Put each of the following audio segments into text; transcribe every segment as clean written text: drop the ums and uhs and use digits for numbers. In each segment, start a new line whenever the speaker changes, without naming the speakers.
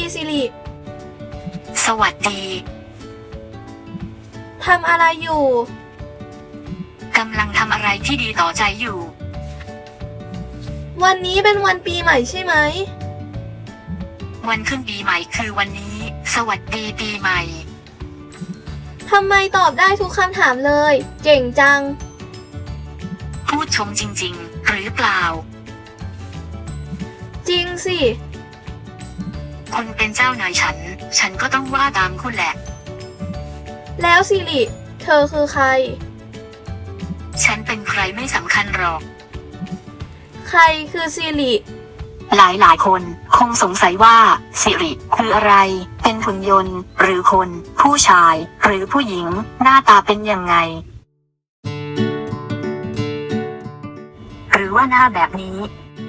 สิริ
สวัสดี
ทำอะไรอยู่
กำลังทำอะไรที่ดีต่อใจอยู่
วันนี้เป็นวันปีใหม่ใช่ไหม
วันขึ้นปีใหม่คือวันนี้ สวัสดีปีใหม่
ทำไมตอบได้ทุกคำถามเลย เก่งจัง
พูดชมจริงๆหรือเปล่า
จริงสิ
คุณเป็นเจ้านายฉันก็ต้องว่าตามคุณแหละ
แล้วสิริเธอคือใคร
ฉันเป็นใครไม่สำคัญหรอก
ใครคือสิริ
หลายคนคงสงสัยว่าสิริคืออะไรเป็นหุ่นยนต์หรือคนผู้ชายหรือผู้หญิงหน้าตาเป็นยังไงหรือว่าหน้าแบบนี้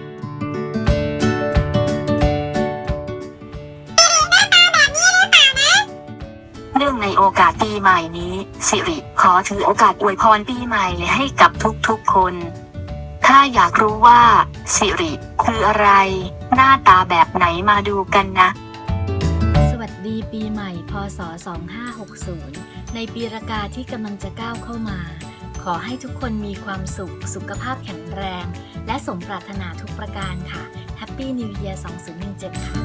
เนื่องในโอกาสปีใหม่นี้สิริขอถือโอกาสอวยพรปีใหม่ให้กับทุกๆคนถ้าอยากรู้ว่าสิริคืออะไรหน้าตาแบบไหนมาดูกันนะ
สวัสดีปีใหม่พ.ศ. 2560ในปีรากาที่กำลังจะก้าวเข้ามาขอให้ทุกคนมีความสุขสุขภาพแข็งแรงและสมปรารถนาทุกประการค่ะ Happy New Year 2017 ค่ะ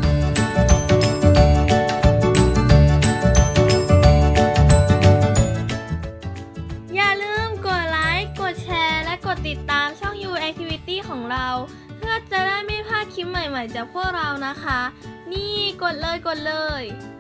อย่าลืมกดไลค์กดแชร์และกดติดตามช่อง You Activity ของเราเพื่อจะได้ไม่พลาดคลิปใหม่ๆจากพวกเรานะคะนี่กดเลย